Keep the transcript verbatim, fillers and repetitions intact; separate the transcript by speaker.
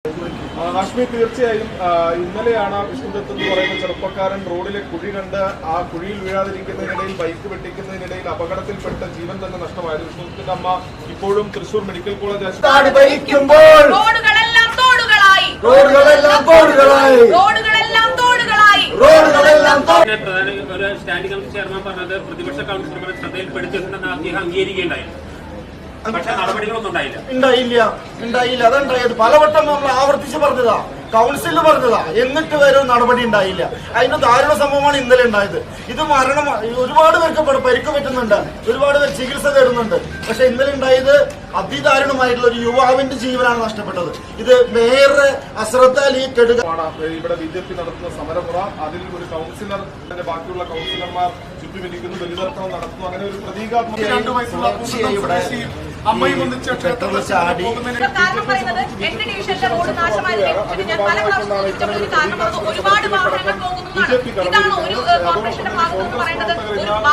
Speaker 1: ഹാഷ്മി, തീർച്ചയായും ഇന്നലെയാണ് വിഷ്ണുദത്ത് എന്ന് പറയുന്ന ചെറുപ്പക്കാരൻ റോഡിലെ കുഴി കണ്ട് ആ കുഴിയിൽ വീഴാതിരിക്കുന്നതിനിടയിൽ ബൈക്ക് വെട്ടിക്കുന്നതിനിടയിൽ അപകടത്തിൽപ്പെട്ട ജീവൻ തന്നെ നഷ്ടമായത്. വിഷ്ണുദത്തിന്റെ അമ്മ ഇപ്പോഴും Thrissur medical college
Speaker 2: standing committee chairman പറഞ്ഞത് പ്രതിപക്ഷ കൗൺസിലർമാരെ ശ്രദ്ധയിൽപ്പെടുത്തിയിട്ടുണ്ടെന്ന് അദ്ദേഹം അംഗീകരിക്കുകയുണ്ടായിരുന്നു. പക്ഷെ നടപടികളൊന്നും ഉണ്ടായില്ല
Speaker 3: ഉണ്ടായില്ല ഉണ്ടായില്ല അതുണ്ടായത് പലവട്ടം നമ്മൾ ആവർത്തിച്ച് പറഞ്ഞതാ, കൗൺസിലിൽ പറഞ്ഞതാ, എന്നിട്ട് വരെ നടപടി ഉണ്ടായില്ല. അതിന് ദാരുണ സംഭവമാണ് ഇന്നലെ ഉണ്ടായത്. ഇത് മരണം ഒരുപാട് പേർക്ക് പരിക്ക് പറ്റുന്നുണ്ട്, ഒരുപാട് പേർ ചികിത്സ തേടുന്നുണ്ട്. പക്ഷെ ഇന്നലെ ഉണ്ടായത് അതിദാരുണമായിട്ടുള്ള ഒരു യുവാവിന്റെ ജീവനാണ് നഷ്ടപ്പെട്ടത്. ഇത് മേയറുടെ അശ്രദ്ധയിൽ ഈ കെടുക.
Speaker 1: ഇവിടെ ബി ജെ പി നടത്തുന്ന സമരമുറ, അതിൽ ഒരു കൗൺസിലർ ബാക്കിയുള്ള കൗൺസിലർമാർ ചുറ്റുമിരിക്കുന്നു, ബലിതർപ്പണം നടത്തുന്നു. അങ്ങനെ ഒരു പ്രതീകാത്മക
Speaker 4: അമ്മയും ഒന്നിച്ച്
Speaker 3: ചാടി
Speaker 5: കാരണം പറയുന്നത് എട്ട് ഡിവിഷനിലെ റോഡ് നാശമായതിനെ ഞാൻ പല പ്രാവശ്യം കാരണം ഒരുപാട് വാഹനങ്ങൾ പോകുന്നതാണ്. ഇതാണ് ഒരു കോർപ്പറേഷന്റെ ഭാഗത്ത് പറയുന്നത്.